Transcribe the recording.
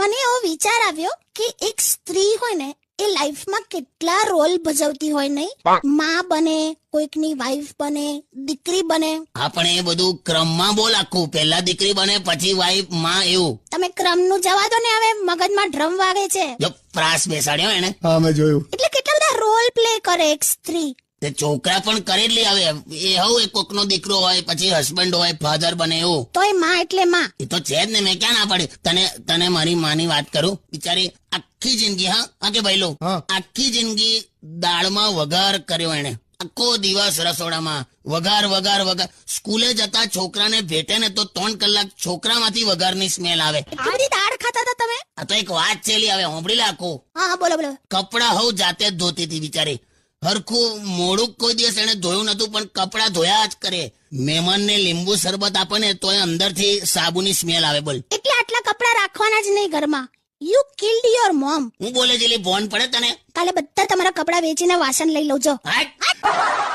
મને એવો વિચાર આવ્યો કે એક સ્ત્રી હોય ને એ લાઈફમાં કેટલા રોલ ભજવતી હોય નહીં, માં બને, કોઈકની વાઈફ બને, દીકરી બને. હા પણ એ બધું ક્રમમાં બોલ આખું, પહેલા દીકરી બને પછી વાઈફ માં એવું. તમે ક્રમનું જવા દો ને, હવે મગજમાં ડ્રમ વાગે છે. જો પ્રાસ બેસાડ્યો એને. હા મેં જોયું. એટલે કેટલા બધા રોલ પ્લે કરે એક સ્ત્રી. તે છોકરા પણ કરે જ લે. હવે એ હવે કોકનો દીકરો હોય, પછી હસબન્ડ હોય, ફાધર બને એવું. તોય માં એટલે માં. એ તો છે જ ને, મેં ક્યાં ના પાડી. તને મારી માની વાત કરું. બિચારી આખી જિંદગી, હા કે ભાઈ લો, આખી જિંદગી દાળમાં વઘાર કર્યો એને. આખો દિવસ રસોડામાં વઘાર વઘાર વઘાર. સ્કૂલે જતા છોકરાને ભેટે ને તો 3 કલાક છોકરામાંથી વઘારની સ્મેલ આવે. એટલી બધી દાળ ખાતા હતા તમે? આ તો એક વાત છે લી, હવે હોંભળી લે આખું. હા બોલો બોલો. કપડા હવ જાતે જ ધોતી હતી બિચારી. હરખું મોડું કોઈ દિવસ એને ધોયું નતું, પણ કપડા ધોયા જ કરે. મહેમાનને લીંબુ શરબત આપે ને તોય અંદરથી સાબુની સ્મેલ આવે. બોલ. એટલે આટલા કપડા રાખવાના જ નહીં ઘરમાં. You killed your mom. હું બોલે છે ભોન પડે તને? કાલે બધા તમારા કપડા વેચીને વાસણ લઈ લઉં છો. હાટ.